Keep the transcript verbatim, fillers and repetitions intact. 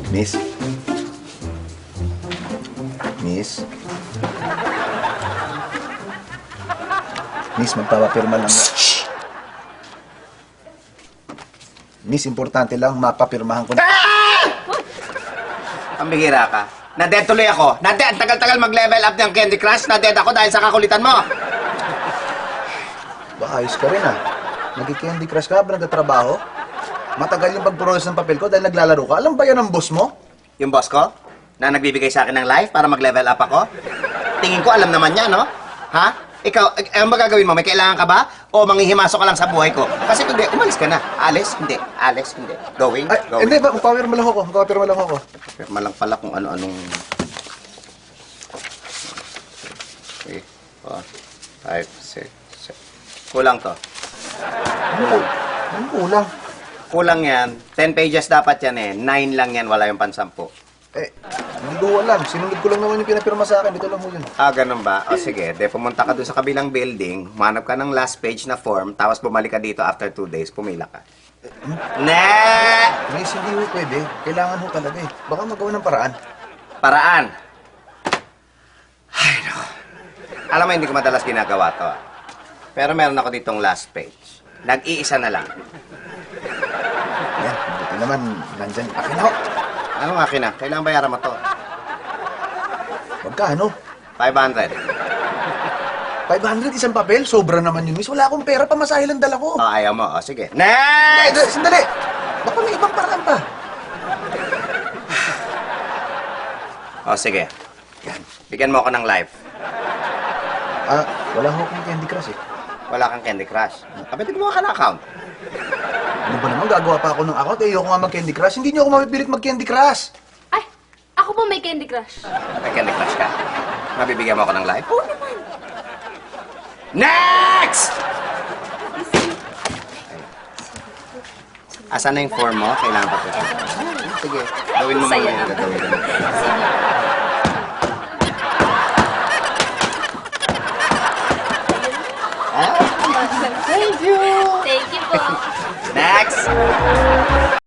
Miss? Miss? Miss, magpapapirma lang. Shh! Miss, importante lang, mapapirmahan ko na. Ang bihira ka. Na-dead tuloy ako. Na-dead. Ang tagal-tagal mag-level up ng Candy Crush. Na-dead ako dahil sa kakulitan mo. Baka ayos ka rin ah. Nag-candy crush ka ba nagtatrabaho? Matagal yung pag-process ng papel ko dahil naglalaro ka. Alam ba yan ang boss mo? Yung boss ko, na nagbibigay sa akin ng life para mag-level up ako. Tingin ko alam naman niya, no? Ha? Ikaw, eh, ano ba gagawin mo? May kailangan ka ba? O manghihimasok ka lang sa buhay ko? Kasi hindi, umalis ka na. Alis? Hindi. Alis? Hindi. Going? Ay, Going. hindi ba? Magpapirma lang ako. Magpapirma lang ako. Pirma lang pala kung ano-anong... three, four, five, six, seven. Kulang to. Ano? Ano kulang? Kulang yan. Ten pages dapat yan eh. Nine lang yan. Wala yung pansampu. Eh, hindi ko alam. Sinunod ko lang naman yung pinapirma sa akin. Dito lang mo yun. Ah, ganun ba? O sige, de pumunta ka doon sa kabilang building, manap ka ng last page na form, tapos bumalik ka dito after two days, pumila ka. Ne! Miss, hindi ho pwede. Kailangan ho talaga eh. Baka magawa ng paraan. Paraan. Ay, no. Alam mo, hindi ko madalas ginagawa to. ah. Pero meron ako ditong last page. Nag-iisa na lang. Yan, buti naman. Nandyan. Akin ho. Anong akin na? Kailangan bayaran mo to. Magkano? five hundred. five hundred isang papel? Sobra naman yun, miss. Wala akong pera. Pamasahe lang dala ko. O, ayaw mo. O, sige. Eh, Next! sandali. Baka may ibang paraan pa. O, sige. Yan. Bigyan mo ako ng life. Ah, wala ho akong candy crush eh. Wala kang Candy Crush. Kapitin mo ka ng account. Ano ba naman? Gagawa pa ako ng account. Eh, ayoko nga mag-candy crush. Hindi niyo ako mapipilit mag-candy crush. Ay, ako po may Candy Crush. May Candy Crush ka. Mabibigyan mo ako ng life? Oo naman. Next! Asan na yung form mo? Kailangan pa ito. Sige, gawin mo muna yung gagawin mo. Ah, thank you! Thank you po. Next!